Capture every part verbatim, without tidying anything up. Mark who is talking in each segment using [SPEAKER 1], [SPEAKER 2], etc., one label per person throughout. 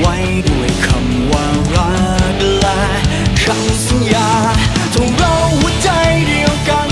[SPEAKER 1] ไว้ด้วยคำว่ารักและคำสัญญาทงเราหัวใจเดียวกัน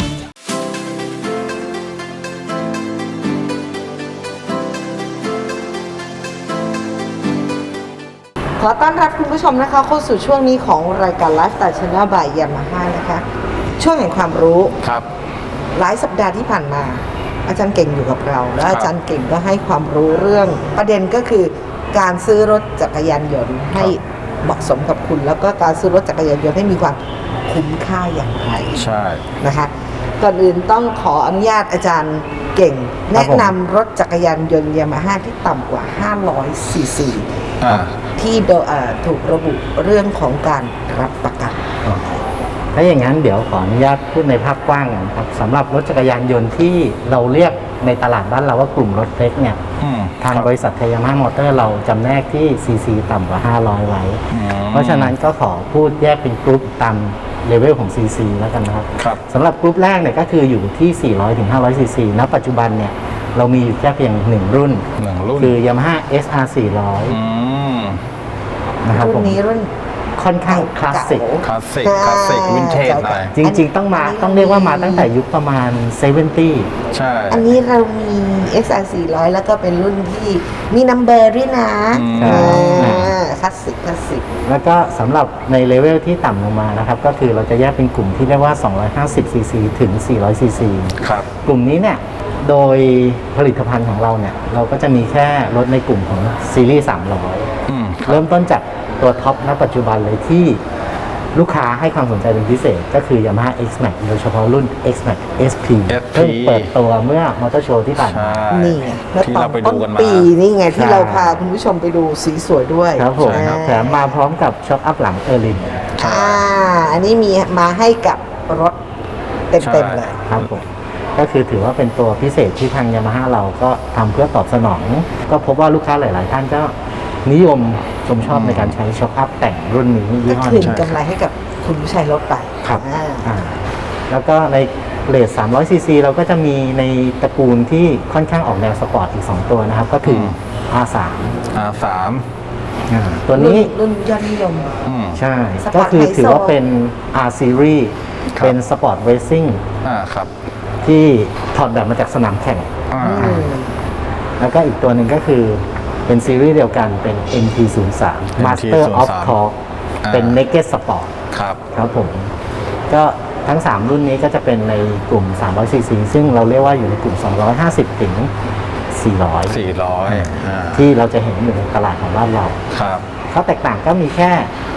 [SPEAKER 2] ขอต้อนรับคุณผู้ชมนะคะเข้าสู่ช่วงนี้ของรายการไลฟ์สไตล์ชาแนลบายยามาฮ่านะคะช่วงแห่งความรู้
[SPEAKER 3] ครับ
[SPEAKER 2] หลายสัปดาห์ที่ผ่านมาอาจารย์เก่งอยู่กับเราและอาจารย์เก่งก็ให้ความรู้เรื่องประเด็นก็คือการซื้อรถจักรยานยนต์ให้เหมาะสมกับคุณแล้วก็การซื้อรถจักรยานยนต์ให้มีความคุ้มค่าอย่างไร
[SPEAKER 3] ใช่
[SPEAKER 2] นะคะก่อนอื่นต้องขออนุญาตอาจารย์เก่งแนะนำรถจักรยานยนต์ยามาฮ่าที่ต่ำกว่าห้าร้อยซีซีที่ถูกระบุเรื่องของการรับประกัน
[SPEAKER 4] ถ้าอย่างนั้นเดี๋ยวขออนุญาตพูดในภาพกว้างกันครับสำหรับรถจักรยานยนต์ที่เราเรียกในตลาดบ้านเราว่ากลุ่มรถเล็กเนี่ยทางบริษัทไทยยามาฮ่ามอเตอร์เราจำแนกที่ซีซีต่ำกว่าห้าร้อยไว้เพราะฉะนั้นก็ขอพูดแยกเป็นกรุ๊ปตามเลเวลของ ซี ซี แล้วกันนะครับสำหรับกรุ๊ปแรกเนี่ยก็คืออยู่ที่สี่ร้อยถึงห้าร้อยซีซีณปัจจุบันเนี่ยเรามีอยู่แค่เพียงหนึ่งรุ่นคือ Yamaha เอส อาร์ สี่ร้อยนะครับ
[SPEAKER 2] รุ่นนี้รุ่น
[SPEAKER 4] ค่อนข้างคลาสสิก
[SPEAKER 3] คลาสสิกคลาสสิกวินเทจหน่อย
[SPEAKER 4] จริงๆต้องมาต้องเรียกว่ามาตั้งแต่ยุคประมาณเซเวนตี้
[SPEAKER 3] ใช่
[SPEAKER 2] อันนี้เรามี เอ็กซ์ อาร์ สี่ร้อยแล้วก็เป็นรุ่นที่มีนัมเบอร์ด้วยนะคลาสสิกคลาสสิก
[SPEAKER 4] แล้วก็สำหรับในเลเวลที่ต่ำลงมานะครับก็คือเราจะแยกเป็นกลุ่มที่เรียกว่าสองร้อยห้าสิบซีซีถึงสี่ร้อยซีซี
[SPEAKER 3] ครับ
[SPEAKER 4] กลุ่มนี้เนี่ยโดยผลิตภัณฑ์ของเราเนี่ยเราก็จะมีแค่รถในกลุ่มของซีรีส์สามร้อยเริ่มต้นจากตัวท็อปณปัจจุบันเลยที่ลูกค้าให้ความสนใจเป็นพิเศษก็คือ Yamaha เอ็กซ์ แม็กซ์ โดยเฉพาะรุ่น เอ็กซ์ แม็กซ์ เอส พี เพิ่งเปิดตัวเมื่อมอเตอร์โชว์ที่ผ่านมา
[SPEAKER 2] นี่ไงแล้ว
[SPEAKER 3] ตอนต้น
[SPEAKER 2] ปีนี่ไงที่เราพาคุณผู้ชมไปดูสีสวยด้วย
[SPEAKER 4] ครับผมแถมมาพร้อมกับช็อคอัพหลังเออร์ลิน
[SPEAKER 2] อ่าอันนี้มีมาให้กับรถเต็มๆเลย
[SPEAKER 4] ครับผมก็คือถือว่าเป็นตัวพิเศษที่ทาง Yamaha เราก็ทำเพื่อตอบสนองก็พบว่าลูกค้าหลายๆท่านก็นิยมชมชอบในการใช้ช็อคอัพแต่งรุ่นนี้ยี่ห้อ
[SPEAKER 2] นี้คืนกำไรให้กับคุณผู้ใช้รถไป
[SPEAKER 4] ครับแล้วก็ในเรทสามร้อยซีซีเราก็จะมีในตระกูลที่ค่อนข้างออกแนวสปอร์ตอีกสองตัวนะครับก็คือ อาร์ สาม
[SPEAKER 3] อาร์ สาม
[SPEAKER 4] ตัวนี้
[SPEAKER 2] รุ่นยอดนิยม
[SPEAKER 4] ใช่ก็คือถือว่าเป็น R Series เป็นสปอร์ตเรซซิ่งที่ถอดแบบมาจากสนามแข่งแล้วก็อีกตัวหนึ่งก็คือเป็นซีรีส์เดียวกันเป็น เอ็ม ที ศูนย์ สาม Master of Torque เป็น Naked Sport
[SPEAKER 3] ครับ
[SPEAKER 4] ครับผมก็ทั้งสามรุ่นนี้ก็จะเป็นในกลุ่มสามร้อยซีซีซึ่งเราเรียกว่าอยู่ในกลุ่มสองร้อยห้าสิบถึงสี่ร้อย
[SPEAKER 3] สี่ร้อย
[SPEAKER 4] ที่เราจะเห็นอยู่ในตลาดของบ้านเรา
[SPEAKER 3] ครับ
[SPEAKER 4] ข้อแตกต่างก็มีแค่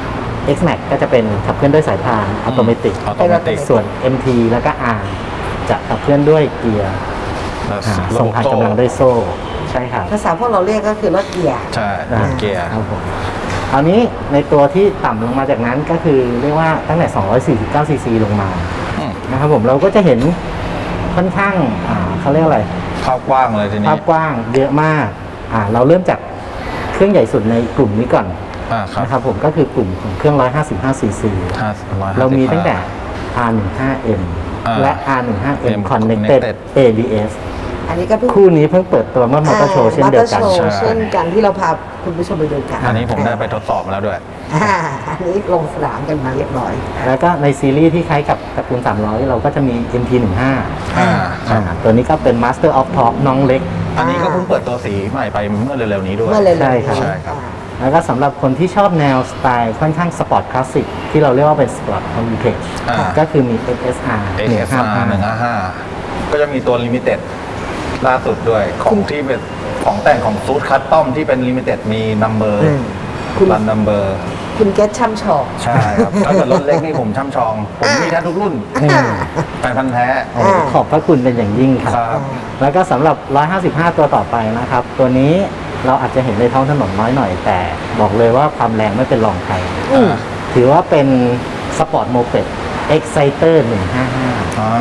[SPEAKER 4] X Max ก็จะเป็นขับเคลื่อนด้วยสายพานอัตโนมัติส่วน เอ็ม ที แล้วก็ R จะขับเคลื่อนด้วยเกียร์ส่งผ่านกำลังด้วยโซ่ใช่ครับ
[SPEAKER 2] ภาษาพวกเราเรียกก็คือรถเกียร์
[SPEAKER 3] ใช่รถเกียร์
[SPEAKER 4] ครับผมคราวนี้ในตัวที่ต่ำลงมาจากนั้นก็คือเรียกว่าตั้งแต่สองร้อยสี่สิบเก้าซีซีลงมานะครับผมเราก็จะเห็นค่อนข้างเขาเรียกอะไร
[SPEAKER 3] ภาพกว้างเลยทีนี้
[SPEAKER 4] ภาพกว้างเยอะมากอ่าเราเริ่มจากเครื่องใหญ่สุดในกลุ่มนี้ก่อนนะครับผมก็คือกลุ่มของเครื่องหนึ่งร้อยห้าสิบห้าซีซีเรามีตั้งแต่ อาร์ สิบห้า เอ็ม และ อาร์ สิบห้า เอ็ม Connected เอ บี เอส
[SPEAKER 2] อันนี้ก็
[SPEAKER 4] คู่นี้เพิ่งเปิดตัวเมื่อมอเตอร์โชว์เช่นเดียวกัน
[SPEAKER 2] เช่นกันที่เราพาคุณผู้ชมไปดูกัน
[SPEAKER 3] อันนี้ผมได้ไปทดสอบมาแล้วด้วย
[SPEAKER 2] อันนี้ลงสนามกันมาเรียบร้อย
[SPEAKER 4] แล้วก็ในซีรีส์ที่คล้ายกับตระกูลสามร้อยเราก็จะมี เอ็ม ที สิบห้า
[SPEAKER 3] อ่า
[SPEAKER 4] ตัวนี้ก็เป็น Master of Torque น้องเล็ก
[SPEAKER 3] อันนี้ก็เพิ่งเปิดตัวสีใหม่ไปเมื่อเร็วๆนี้ด้วย
[SPEAKER 4] ใช่ครับแล้วก็สำหรับคนที่ชอบแนวสไตล์ค่อนข้างสปอร์ตคลาสสิกที่เราเรียกว่าเป็นสปอร์ตคอมมิวนิเคชั่นก็คือมี เอส อาร์
[SPEAKER 3] หนึ่งห้าห้าก็จะมีตัวลิมิเต็ดล่าสุดด้วยของที่เป็นของแต่งของซูดคัสตอมที่เป็นลิมิเต็ดมีนัมเบอร์รันนัมเบอร์
[SPEAKER 2] คุณเกตช่ำชอง
[SPEAKER 3] ใช่ครับถ้าเกิดรถเล็กนี่ผมช่ำชองผมมีแทบทุกรุ่นแฟนพันธุ์แท้
[SPEAKER 4] ขอบพระคุณเป็นอย่างยิ่งครับแล้วก็สำหรับหนึ่งร้อยห้าสิบห้าตัวต่อไปนะครับตัวนี้เราอาจจะเห็นในท้องถนนน้อยหน่อยแต่บอกเลยว่าความแรงไม่เป็นรองใครถือว่าเป็นสปอร์ตโมเป็ด Exciter หนึ่งห้าห้า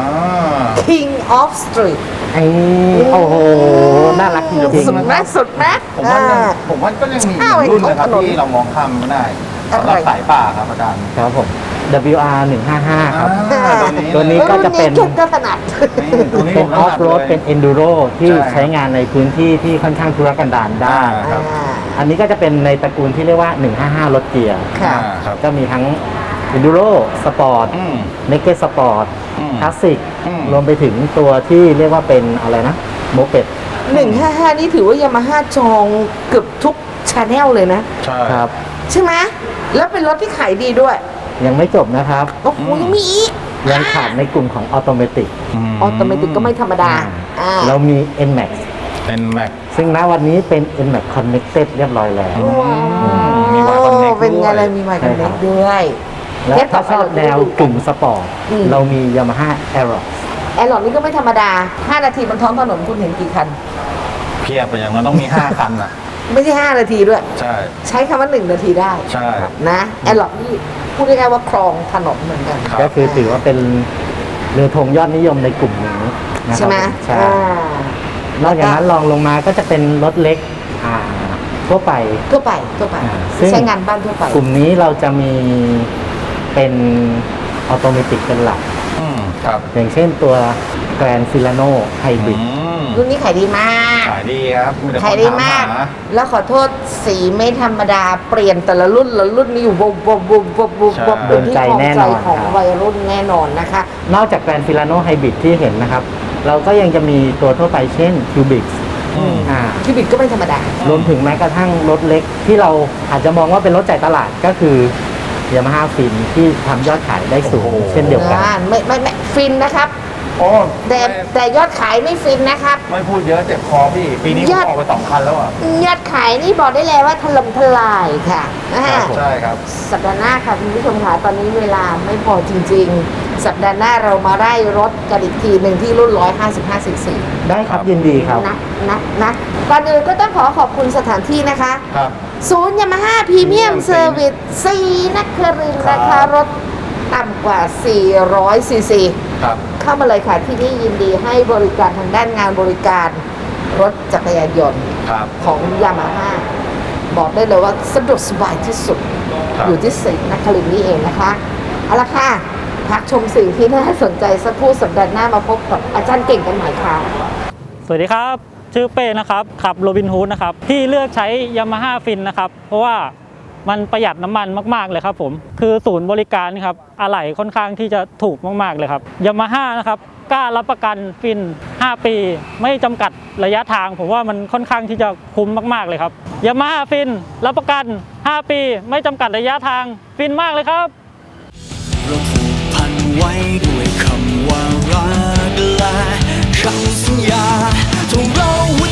[SPEAKER 2] King of Street
[SPEAKER 4] ไอ้โอ้โหน่ารักจริง
[SPEAKER 2] ๆสุดแม็กสุดแม็ก
[SPEAKER 3] ผมว่าผมว่าก็ยังมีรุ่นนะครับที่เรามองข้ามไม่ได้สำหรับสายป่าครับอาจารย์
[SPEAKER 4] ครับผมดับเบิลยู อาร์ หนึ่งห้าห้า ครับ
[SPEAKER 3] อ่าตัวนี้
[SPEAKER 4] ตัวนี้ ก็จะเป็น
[SPEAKER 2] รุ่ก็ถนัด
[SPEAKER 3] นี่ตัวนี้
[SPEAKER 4] เป็น
[SPEAKER 3] ผม
[SPEAKER 4] ออฟโรด
[SPEAKER 3] ถนัลย
[SPEAKER 4] เป็นเอนดูโรที่
[SPEAKER 3] ใช่
[SPEAKER 4] ใช้งานในพื้นที่ที่ค่อนข้างทุรกันดารได้
[SPEAKER 3] อ่า ครับ
[SPEAKER 4] อันนี้ก็จะเป็นในตระกูลที่เรียกว่า หนึ่งห้าห้า รถเกียร์
[SPEAKER 2] ค่ะ
[SPEAKER 3] อ่าครับ
[SPEAKER 4] ก็มีทั้ง Enduro Sport
[SPEAKER 3] อืม
[SPEAKER 4] Naked Sport
[SPEAKER 3] อืม
[SPEAKER 4] Classic
[SPEAKER 3] อืม
[SPEAKER 4] รวมไปถึงตัวที่เรียกว่าเป็นอะไรนะโมเป็ด
[SPEAKER 2] หนึ่งห้าห้านี่ถือว่ายามาฮ่าจองเกือบทุกชาแนลเลยนะ
[SPEAKER 3] ใช่
[SPEAKER 4] ครับ
[SPEAKER 2] ใช่ไหมแล้วเป็นรถที่ขายดีด้วย
[SPEAKER 4] ยังไม่จบนะครับ
[SPEAKER 2] โอ้โหยังมีอีก
[SPEAKER 4] ยังขาดในกลุ่มของออโตเมติก
[SPEAKER 3] ม
[SPEAKER 2] ออโตเมติกก็ไม่ธรรมดาอ่า
[SPEAKER 4] เรามี เอ็น แม็กซ์
[SPEAKER 3] เป็นแม็ก
[SPEAKER 4] ซึ่งณวันนี้เป็น เอ็น แม็กซ์ Connected เรียบร้อยแล้ว
[SPEAKER 3] มี Y Connect
[SPEAKER 2] เป็นไง
[SPEAKER 3] ด้วย
[SPEAKER 2] เลยมีไมค์คอนเนค
[SPEAKER 4] ใช่ครับ
[SPEAKER 2] ด้วย
[SPEAKER 4] และถ้าชอบแนวกลุ่มสปอร์ต
[SPEAKER 2] อืม
[SPEAKER 4] เรามี Yamaha Aerox
[SPEAKER 2] แอร์หลอดนี่ก็ไม่ธรรมดา ห้า นาทีบนท้องถนนคุณเห็นกี่คัน
[SPEAKER 3] เพียบไปอย่างนั้นต้องมีห้าคันอ่ะ
[SPEAKER 2] ไม่ใช่ ห้า นาทีด้วย
[SPEAKER 3] ใช่
[SPEAKER 2] ใช้คำว่า หนึ่ง นาทีได้
[SPEAKER 3] ใช่
[SPEAKER 2] นะแอร์หลอดนี่พูดง่ายๆว่าครองถนนเหมือนกัน
[SPEAKER 3] ครับ
[SPEAKER 4] ก็คือถือว่าเป็นเรือธงยอดนิยมในกลุ่มนี้นะค
[SPEAKER 2] ใช่
[SPEAKER 4] รับ
[SPEAKER 2] ไหม
[SPEAKER 4] ใช่
[SPEAKER 2] อ่าน
[SPEAKER 4] อกจากนั้นลองลงมาก็จะเป็นรถเล็กอ่าทั่วไป
[SPEAKER 2] ทั่วไปทั่วไป
[SPEAKER 4] อ่าซึ่ง
[SPEAKER 2] ใช้งานบ้านทั่วไป
[SPEAKER 4] กลุ่มนี้เราจะมีเป็นออโตเมติกเป็นหลัก
[SPEAKER 3] อืมครับ
[SPEAKER 4] อย่างเช่นตัว Grand Filano Hybrid
[SPEAKER 3] อืม
[SPEAKER 2] รุ่นนี้ขายดีมาก
[SPEAKER 3] ขายดีครับมีแต่คน
[SPEAKER 2] ขายดีมาก
[SPEAKER 3] ถห
[SPEAKER 2] แล้วขอโทษสีไม่ธรรมดาเปลี่ยนแต่ละรุ่นละรุ่นนี้อยู่บบบบบบบบ
[SPEAKER 3] ใช่
[SPEAKER 2] บบเป็นที่ของ
[SPEAKER 4] โดนใจแน่
[SPEAKER 2] ใจ
[SPEAKER 4] นอน
[SPEAKER 2] ของ
[SPEAKER 4] ครับ
[SPEAKER 2] วัยรุ่นแน่นอนนะคะ
[SPEAKER 4] นอกจาก Grand Filano Hybrid ที่เห็นนะครับ เราก็ยังจะมีตัวทั่วไปเช่น Cubic
[SPEAKER 3] อืม
[SPEAKER 4] อ่า
[SPEAKER 2] คิวบิกก็ไม่ธรรมดา
[SPEAKER 4] รวมถึงแม้กระทั่งรถเล็กที่เราอาจจะมองว่าเป็นรถจ่ายตลาดก็คือ Yamaha Fin ที่ทำยอดขายได้สูง
[SPEAKER 3] โอ้โห
[SPEAKER 4] เช่นเดียวกัน
[SPEAKER 2] อ่าไม่ไม่ไม่ฟินนะครับ
[SPEAKER 3] โอ้
[SPEAKER 2] แต่
[SPEAKER 3] ไม่
[SPEAKER 2] แต่ยอดขายไม่ฟินนะครับ
[SPEAKER 3] ไม่พูดเยอะเจ็บคอพี่ ปีนี้ผม
[SPEAKER 2] ยอด
[SPEAKER 3] ออกไปสองคันแล้วอ่ะ
[SPEAKER 2] ยอดขายนี่บอกได้เลยว่าถล่มทลายค่ะอ่า
[SPEAKER 3] ใช่ครับ
[SPEAKER 2] สัปดาห์หน้าค่ะคุณผู้ชมค่ะตอนนี้เวลาไม่พอจริง ๆ สัปดาห์หน้าเรามาไล่รถกันอีกทีหนึ่งที่รุ่น หนึ่งร้อยห้าสิบห้า ซีซี
[SPEAKER 4] ได้ครับยินดีครับ
[SPEAKER 2] นะนะนะก่อนอื่นก็ต้องขอขอบคุณสถานที่นะคะ
[SPEAKER 3] ครับ
[SPEAKER 2] ศูนย์ยามาฮ่าพรีเมียม
[SPEAKER 3] Premium
[SPEAKER 2] เซอร์วิสซีนครินทร์
[SPEAKER 3] ครับ
[SPEAKER 2] นะคะรถต่ำกว่า สี่ร้อย ซีซี
[SPEAKER 3] ครับ
[SPEAKER 2] เข้ามาเลยค่ะที่นี่ยินดีให้บริการทางด้านงานบริการรถจักรยานยนต์
[SPEAKER 3] ครับ
[SPEAKER 2] ของยามาฮ่าบอกได้เลยว่าสะดวกสบายที่สุด
[SPEAKER 3] ครับ
[SPEAKER 2] อยู่ที่สิงห์นครินทร์นี่เองนะคะ เอาละค่ะ พักชมสิ่งที่น่าสนใจสักครู่สัปดาห์หน้ามาพบกับอาจารย์เก่งกันใหม่ค่ะ
[SPEAKER 5] สวัสดีครับ ชื่อเป้นะครับขับโรบินฮูดนะครับที่เลือกใช้ Yamaha Fin นะครับเพราะว่ามันประหยัดน้ำมันมากๆเลยครับผมคือศูนย์บริการครับอะไหล่ค่อนข้างที่จะถูกมากๆเลยครับ Yamaha นะครับกล้ารับประกันฟินห้าปีไม่จำกัดระยะทางผมว่ามันค่อนข้างที่จะคุ้มมากๆเลยครับ Yamaha Fin รับประกันห้าปีไม่จำกัดระยะทางฟินมากเลยครับ
[SPEAKER 1] เราผูกพันไว้ด้วยคำว่ารักและคำสัญญาทงเราหัว